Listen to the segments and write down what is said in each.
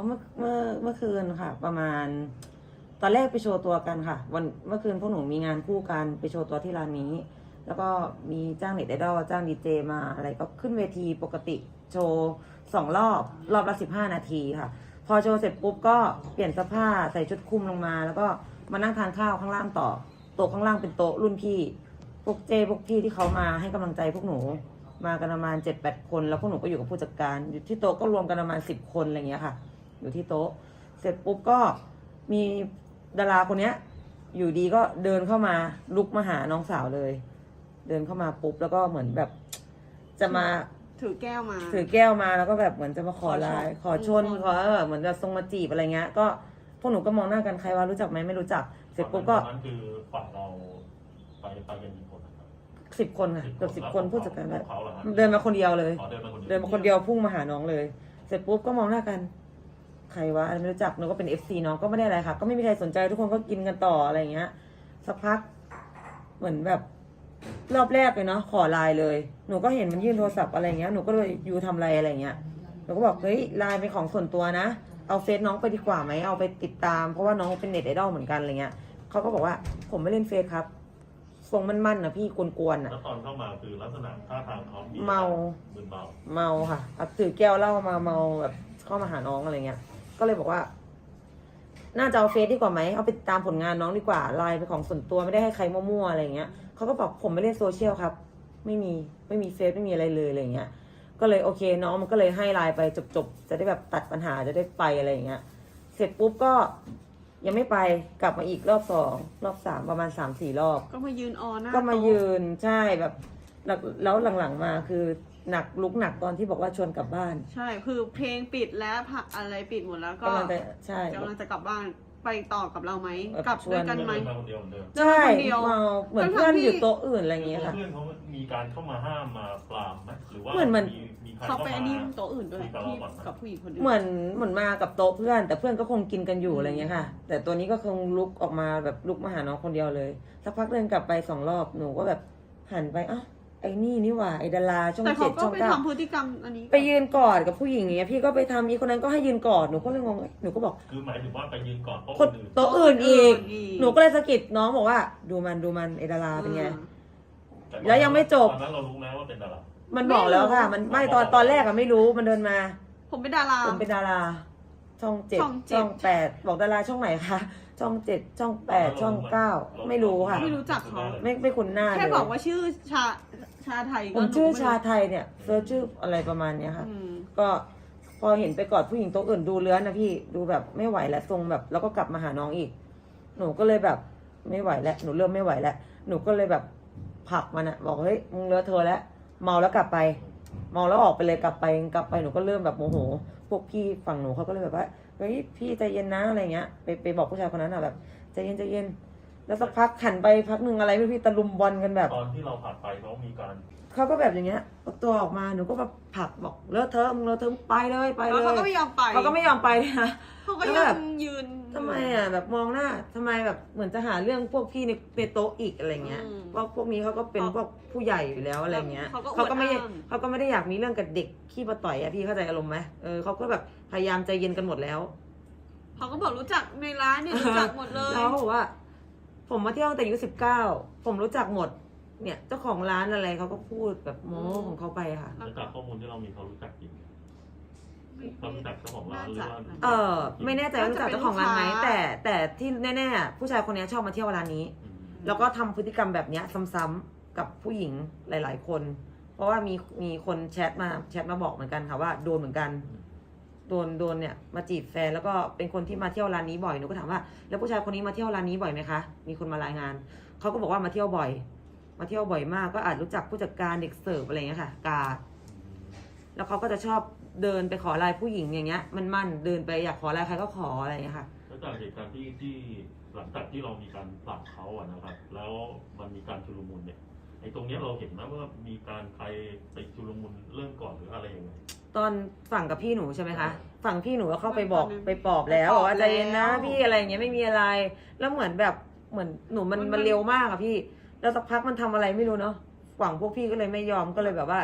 เมื่อคืนค่ะ ประมาณ ตอนแรกไปโชว์ตัวกันค่ะเมื่อคืนพวกหนูมีงานคู่กันไปโชว์ตัวที่ร้านนี้ แล้วก็มีจ้างเน็ตไอดอลจ้างดีเจมาอะไรก็ขึ้นเวทีปกติโชว์2 รอบละ15 นาทีค่ะ พอโชว์เสร็จปุ๊บก็เปลี่ยนเสื้อผ้าใส่ชุดคลุมลงมา แล้วก็มานั่งทานข้าวข้างล่างต่อโต๊ะข้างล่างเป็นโต๊ะรุ่นพี่พวกพี่ที่เขามาให้กำลังใจพวกหนูมากันประมาณ7-8 คนแล้วพวกหนูก็อยู่กับผู้จัดการอยู่ที่โต๊ะก็รวมกันประมาณ10 คนอะไรเงี้ยค่ะอยู่ที่โต๊ะเสร็จปุ๊บก็มีดาราคนเนี้ยอยู่ดีก็เดินเข้ามาลุกมาหาน้องสาวเลย เดินเข้ามาปุ๊บแล้วก็เหมือนแบบจะมาถือแก้วมาแล้วก็แบบเหมือนจะมาขอไลน์ขอชนขอเหมือนจะทรงมาจีบอะไรเงี้ยก็พวกหนูก็มองหน้ากันใครว่ารู้จักไหมไม่รู้จักเสร็จปุ๊บก็นั้นคือฝั่งเราไปกันกี่คน 10 คนค่ะเกือบ10 คนผู้จัดการแบบเขาเหรอเดินมาคนเดียวเลยเดินมาคนเดียวเดินมาคนเดียวพุ่งมาหาน้องเลย เสร็จปุ๊บก็มองหน้ากันใครวะไม่รู้จักน้องก็เป็น FC น้องก็ไม่ได้อะไรค่ะก็ไม่มีใครสนใจทุกคนก็กินกันต่ออะไรเงี้ยสักพักเหมือนแบบรอบแรกเลยเนาะขอไลน์เลยหนูก็เห็นมันยื่นโทรศัพท์อะไรเงี้ยหนูก็เลยยูทำอะไรอะไรเงี้ยหนูก็บอกเฮ้ยไลน์เป็นของส่วนตัวนะเอาเฟซน้องไปดีกว่าไหมเอาไปติดตามเพราะว่าน้องเป็นเน็ตไอดอลเหมือนกันอะไรเงี้ยเขาก็บอกว่าผมไม่เล่นเฟซครับทรงมั่นๆนะพี่กวนๆอ่ะแล้วตอนเข้ามาคือลักษณะท่าทางเขาเมาค่ะถือแก้วเหล้ามาเมาแบบเข้ามาหาน้องอะไรเงี้ยก็เลยบอกว่าน่าจะเอาเฟซดีกว่าไหมเอาไปติดตามผลงานน้องดีกว่าไลน์เป็นของส่วนตัวไม่ได้ให้ใครมั่วๆอะไรเงี้ยเขาก็บอกผมไม่เล่นโซเชียลครับไม่มีเฟซไม่มีอะไรเลยอะไรเงี้ยก็เลยโอเคน้องมันก็เลยให้ไลน์ไปจบจะได้แบบตัดปัญหาจะได้ไปอะไรเงี้ยเสร็จปุ๊บก็ยังไม่ไปกลับมาอีกรอบ2 รอบ 3ประมาณ3-4 รอบก็มายืนออหน้าก็มายืนใช่แบบแล้วหลังๆมาคือหนักลุกหนักตอนที่บอกว่าชวนกลับบ้านใช่คือเพลงปิดแล้วผักอะไรปิดหมดแล้วก็กำลังจะกลับบ้านไปต่อกับเราไหมกลับด้วยกันไหมใช่เหมือนเพื่อนอยู่โต๊ะอื่นอะไรอย่างเงี้ยค่ะเพื่อนเขามีการเข้ามาห้ามมาปรามไหมหรือว่าเหมือนเขาไปอันนี้โต๊ะอื่นด้วยที่กับผู้หญิงคนอื่นเหมือนมากับโต๊ะเพื่อนแต่เพื่อนก็คงกินกันอยู่อะไรเงี้ยค่ะแต่ตัวนี้ก็คงลุกออกมาแบบลุกมาหาน้องคนเดียวเลยสักพักเดินกลับไป2 รอบหนูก็แบบหันไปอ้าวไอ้นี่หว่าไอ้ดาราช่อง7 ช่อง 9 แต่เขาก็ไปทำพฤติกรรมอันนี้ไปยืนกอดกับผู้หญิงอย่างเงี้ยพี่ก็ไปทำอีกคนนั้นก็ให้ยืนกอดหนูก็เลยงงหนูก็บอกคือหมายถึงว่าไปยืนกอดโต๊ะอื่นอีกหนูก็เลยสะกิดน้องบอกว่าดูมันไอ้ดาราเป็นไงแล้วยังไม่จบตอนนั้นเรารู้ไหมว่าเป็นดารามันบอกแล้วค่ะมันไม่ตอนแรกอะไม่รู้มันเดินมาผมเป็นดาราช่อง7 ช่อง 8บอกดาราช่องไหนคะช่อง7 ช่อง 8 ช่อง 9ไม่รู้ค่ะไม่รู้จักเขาไม่คุ้นหน้าแค่บอกว่าชื่อชาไทยผมชื่อชาไทยเนี่ยเซิร์ชชื่ออะไรประมาณเนี้ยค่ะก็พอเห็นไปกอดผู้หญิงโต๊ะอื่นดูเลื้อนนะพี่ดูแบบไม่ไหวแล้วทรงแบบแล้วก็กลับมาหาน้องอีกหนูก็เลยแบบไม่ไหวแล้วหนูเริ่มไม่ไหวแล้วหนูก็เลยแบบผลักมันอะบอกเฮ้ยมึงเลอะเทอะแล้วเมาแล้วกลับไปเมาแล้วออกไปเลยกลับไปหนูก็เริ่มแบบโมโหพวกพี่ฝั่งหนูเขาก็เลยแบบว่าเฮ้ยพี่ใจเย็นนะอะไรเงี้ยไปบอกผู้ชายคนนั้นอะแบบใจเย็นแล้วสักพักหันไปพักหนึ่งอะไรไม่พี่ตะลุมบอลกันแบบตอนที่เราผ่านไปเขามีการเขาก็แบบอย่างเงี้ยตัวออกมาหนูก็แบบผลักบอกเลอะเทอะมึงเลอะเทอะไปเลยเขาก็ไม่ยอมไปเลยนะเขาก็ยังยืนทำไมอ่ะแบบมองหน้าทำไมแบบเหมือนจะหาเรื่องพวกพี่ในโต๊ะอีกอะไรเงี้ยว่าพวกนี้เขาก็เป็นพวกผู้ใหญ่อยู่แล้วอะไรเงี้ยเขาก็ไม่ได้อยากมีเรื่องกับเด็กขี้มาต่อยอะพี่เข้าใจอารมณ์ไหมเขาก็แบบพยายามใจเย็นกันหมดแล้วเขาก็บอกรู้จักในร้านเนี่ยรู้จักหมดเลยเขาบอกว่าผมมาเที่ยวตั้งแต่อายุ19ผมรู้จักหมดเนี่ยเจ้าของร้านอะไรเขาก็พูดแบบโม้ของเขาไปค่ะจากข้อมูลที่เรามีเขารู้จักจริงเขารู้จักเจ้าของร้านหรือว่าไม่แน่ใจว่ารู้จักเจ้าของร้านไหมแต่ที่แน่ๆผู้ชายคนนี้ชอบมาเที่ยวร้านนี้แล้วก็ทำพฤติกรรมแบบนี้ซ้ำๆกับผู้หญิงหลายๆคนเพราะว่ามีคนแชทมาบอกเหมือนกันค่ะว่าโดนเหมือนกันโดนเนี่ยมาจีบแฟนแล้วก็เป็นคนที่มาเที่ยวร้านนี้บ่อยหนูก็ถามว่าแล้วผู้ชายคนนี้มาเที่ยวร้านนี้บ่อยไหมคะมีคนมารายงานเขาก็บอกว่ามาเที่ยวบ่อยมากก็อาจรู้จักผู้จัดการเด็กเสิร์ฟอะไรเงี้ยค่ะกาแล้วเขาก็จะชอบเดินไปขอไลน์ผู้หญิงอย่างเงี้ยมันเดินไปอยากขอไลน์ใครก็ขออะไรเงี้ยค่ะแล้วจากเหตุการณ์ที่หลังจากที่เรามีการผลักเขาอะนะครับแล้วมันมีการชุลมุนเนี่ยไอ้ตรงนี้เราเห็นไหมว่ามีการใครไปชุลมุนเริ่มก่อนหรืออะไรยังไงตอนฝั่งกับพี่หนูใช่ไหมคะฝั่งพี่หนูก็เข้าไปบอกไปปลอบแล้วบอกว่าใจเย็นนะพี่อะไรเงี้ยไม่มีอะไรแล้วเหมือนหนูมันเร็วมากอะพี่แล้วสักพักมันทำอะไรไม่รู้เนาะฝั่งพวกพี่ก็เลยไม่ยอมก็เลยแบบว่า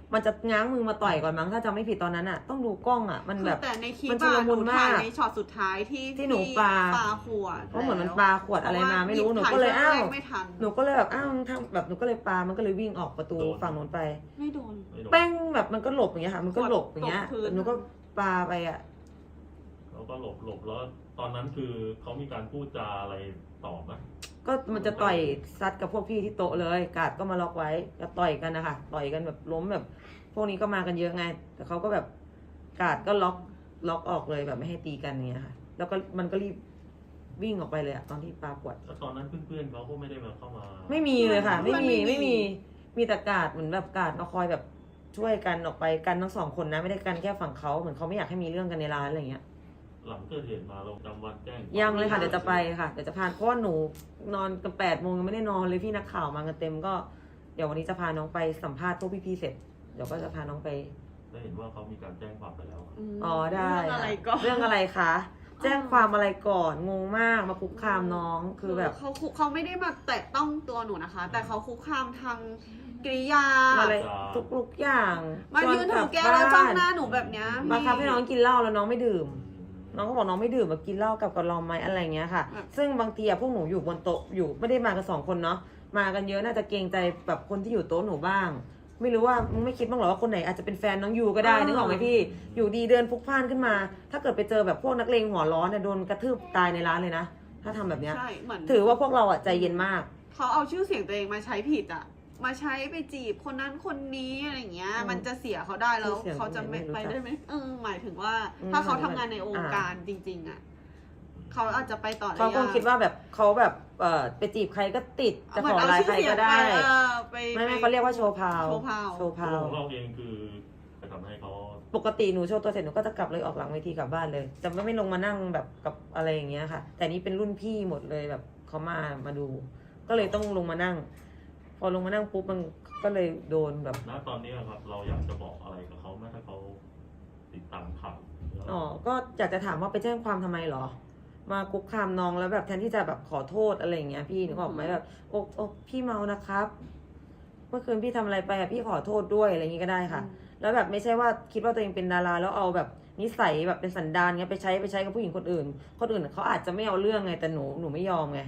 มันจะง้างมือมาต่อยก่อนมั้งถ้าจำไม่ผิดตอนนั้นอ่ะต้องดูกล้องอ่ะมันคืแบอบ แต่ในคลิปมันชุลอะหมุนูนถ่ายมากในช็อตสุดท้ายที่ที่หนูปาขวดเพราะเหมือนมันปาขวดอะไรมาไม่รู้หนูก็เลยถ่อ้าวแรกไม่ทันหนูก็เลยแบบอ้าวทำแบบหนูก็เลยปามันก็เลยวิ่งออกประตูโดนฝั่งนู้นไปไม่โดนไม่โดนแป้งแบบมันก็หลบอย่างเงี้ยค่ะ มันก็หลบอย่างเงี้ยตกพื้นแต่หนูก็ปาไปอ่ะแล้วก็หลบแล้วตอนนั้นคือเขามีการพูดจาอะไรตอบไหมก็มันจะต่อยซัดกับพวกพี่ที่โต๊ะเลยกาดก็มาล็อกไว้ก็ต่อยกันนะคะต่อยกันแบบล้มแบบ พวกนี้ก็มากันเยอะไง แต่เขาก็แบบกาดก็ล็อกออกเลยแบบไม่ให้ตีกันอย่างเงี้ยค่ะ แล้วก็มันก็รีบวิ่งออกไปเลยอะตอนที่ปาขวดแล้วตอนนั้นเพื่อนๆเขาก็ไม่ได้มาเข้ามาไม่มีเลยค่ะ ไม่มีไม่มีไม่มีมีแต่กาดเหมือนแบบกาดมาคอยแบบช่วยกันออกไปกันทั้งสองคนนะไม่ได้กันแค่ฝั่งเขาเหมือนเขาไม่อยากให้มีเรื่องกันในร้านอะไรเงี้ยหลังเกิดเหตุมาลงจำวันแจ้งยังเลยค่ะเดี๋ยวจะไปค่ะเดี๋ยวจะพาเพราะว่าหนูนอนกัน8 โมงยังไม่ได้นอนเลยพี่นักข่าวมากันเต็มก็เดี๋ยววันนี้จะพาน้องไปสัมภาษณ์พวกพี่ๆเสร็จเดี๋ยวก็จะพาน้องไปได้เห็นว่าเขามีการแจ้งความไปแล้วมอ๋อได้เรื่องอะไรก็เรื่องอะไรคะแจ้งความอะไรก่อนงงมากมาคุกคามน้องคือแบบเขาไม่ได้มาแตะต้องตัวหนูนะคะ แต่เขาคุกคามทางกริยาอะไรทุกอย่างมายืนถือแก้วแล้วจ้องหน้าหนูแบบเนี้ยมาคับให้น้องกินเหล้าแล้วน้องไม่ดื่ม น้องก็บอกน้องไม่ดื่มมากินเหล้ากับเราไหมอะไรเงี้ยค่ะ ซึ่งบางทีอะพวกหนูอยู่บนโต๊ะอยู่ไม่ได้มากัน2 คนเนาะมากันเยอะน่าจะเกรงใจแบบคนที่อยู่โต๊ะหนูบ้าง ไม่รู้ว่ามึงไม่คิดบ้างเหรอว่าคนไหนอาจจะเป็นแฟนน้องยูก็ได้นึกออกไหมพี่อยู่ดีเดินพลุกพล่านขึ้นมา ถ้าเกิดไปเจอแบบพวกนักเลงหัวร้อนเนี่ยโดนกระทืบตายในร้านเลยนะถ้าทำแบบเนี้ยใช่เหมือนถือว่าพวกเราอะใจเย็นมากเขาเอาชื่อเสียงตัวเองมาใช้ผิดอ่ะ มาใช้ไปจีบคนนั้นคนนี้อะไรอย่างเงี้ย มันจะเสียเขาได้แล้วชื่อเสียงเขาจะไม่ไม่รู้จักไปได้ไหมหมายถึงว่าอืมถ้าเขาทำงานในองค์การจริง ๆอ่ะเขาอาจจะไปต่อได้เขาคงยกคิดว่าแบบเขาแบบไปจีบใครก็ติดจะขอไลน์ใครก็ได้ไปไม่เขาเรียกว่าโชว์พาวโชว์พาวโชว์พาวของเราเองคือไปทำให้เขาปกติหนูโชว์ตัวเสร็จหนูก็จะกลับเลยออกหลังเวทีกลับบ้านเลยจะไม่ลงมานั่งแบบกับอะไรอย่างเงี้ยค่ะ แต่นี่เป็นรุ่นพี่หมดเลยแบบเขามาดู ก็เลยต้องลงมานั่ง พอลงมานั่งปุ๊บมันก็เลยโดนแบบณตอนนี้ครับ เราอยากจะบอกอะไรกับเขาไหมถ้าเขาติดตามข่าวอ๋อก็อยากจะถามว่าไปแจ้งความทำไมเหรอ มาคุกคามน้องแล้วแบบแทนที่จะแบบขอโทษอะไรอย่างเงี้ยพี่นึกออกไหมแบบโอ้พี่เมานะครับ เมื่อคืนพี่ทำอะไรไปอะพี่ขอโทษด้วยอะไรอย่างงี้ก็ได้ค่ะ แล้วแบบไม่ใช่ว่าคิดว่าตัวเองเป็นดาราแล้วเอาแบบนิสัยแบบเป็นสันดานเงี้ยไปใช้กับผู้หญิงคนอื่นเขาอาจจะไม่เอาเรื่องไงแต่หนูไม่ยอมไง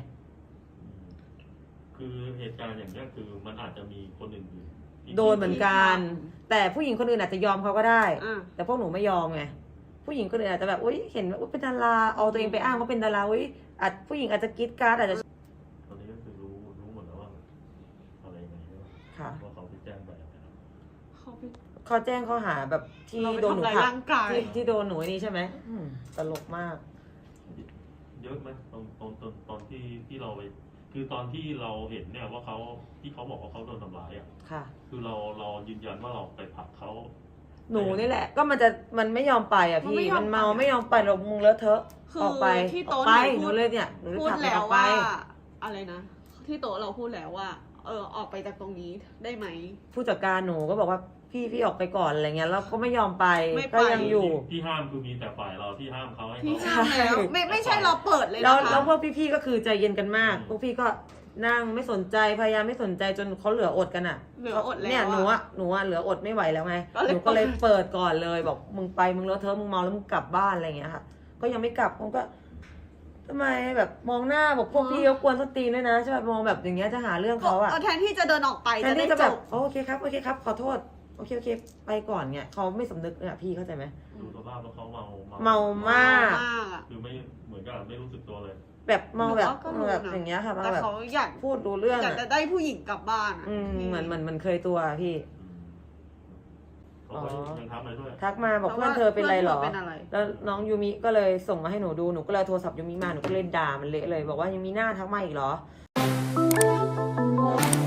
คือเหตุการณ์อย่างนี้ยคือมันอาจจะมีคนอื่นๆที่โดนเหมือนกัน แต่ผู้หญิงคนอื่นอาจจะยอมเขาก็ได้อ่ะแต่พวกหนูไม่ยอมไงผู้หญิงคนอื่นอาจจะแบบอุ้ยเห็นว่าอุ๊ยเป็นดาราเอาตัวเองไปอ้างว่าเป็นดาราอุ้ยอาจผู้หญิงอาจจะกรีดกราร์ดอาจจะตอนนี้ก็คือรู้หมดแล้วว่าอะไรยังไงใช่ไหมค่ะว่าเขาไปแจ้งไปอะไรนะเขาไปเขาแจ้งข้อหาแบบที่เราไปโดนหนูทำร้ายผลักร่างกายที่โดนหนูนี่ใช่ไหมตลกมากเยอะไหมตอนที่เราไปคือตอนที่เราเห็นเนี่ยว่าเขาที่เขาบอกว่าเขาโดนทำร้ายอ่ะค่ะคือเรายืนยันว่าเราไปผลักเขาหนูนี่แหละ ก็มันไม่ยอมไปอ่ะพี่มันเมาไม่ยอมไปเรามึงเลอะเทอะคือออกไปที่ออโต๊ะกไปหหนูนูเลยเนี่ยหนูเลยพูดผลักมันแล้อวอกไปว่าอะไรนะ ที่โต๊ะเราพูดแล้วว่า ออกไปจากตรงนี้ได้ไหมผู้จัดการหนูก็บอกว่าพี่ออกไปก่อนอะไรเงี้ยแล้วก็ไม่ยอมไปไม่ไปก็ยังอยู่ที่ห้ามคือมีแต่ฝ่ายเราที่ห้ามเขาให้พี่เขาห้ามแล้วไม่ใช่เราเปิดเลยแล้วนะคะแล้วพวกพี่ๆก็คือใจเย็นกันมาก พวกพี่ก็นั่งไม่สนใจพยายามไม่สนใจจนเขาเหลืออดกันอ่ะเหลืออดแล้วเนี่ยหนูอะเหลืออดไม่ไหวแล้วไงก็เลยหนูก็เลยเปิดก่อนเลยบอกมึงไปมึงเลอะเทอะมึงเมาแล้วมึงกลับบ้านอะไรเงี้ยค่ะ ก็ยังไม่กลับผมก็ทำไมแบบมองหน้าบอกพวกพี่เขากวนส้นตีนด้วยนะใช่ไหมมองแบบอย่างเงี้ยจะหาเรื่องเขาอะแทนที่จะเดินออกไปแทจะนได้ที่จะจแบบ บโอเคครับขอโทษโอเคไปก่อนเนี่ยเขาไม่สำนึกเนี่ยพี่เข้าใจไหมดูสภาพแล้วเขาเมาเมามากมากอะคือไม่เหมือนกับไม่รู้สึกตัวเลยแบบเมาแบบก็รู้นะแบบอย่างเงี้ยค่ะมาแต่แบบเขาอยากพูดรู้เรื่องอยากอะจะได้ผู้หญิงกลับบ้านอะเหมือนเคยตัวพี่เขาก็ยังทำอะไรด้วยทักมาบอกเพื่อนเธอเป็นไรหรอเพื่อนเธอเป็นอะไรแล้วน้องยูมิก็เลยส่งมาให้หนูดูหนูก็เลยเอาโทรศัพท์ยูมิมาหนูก็เลยด่ามันเละเลย บอกว่ายังมีหน้าทักมาอีกเหรอ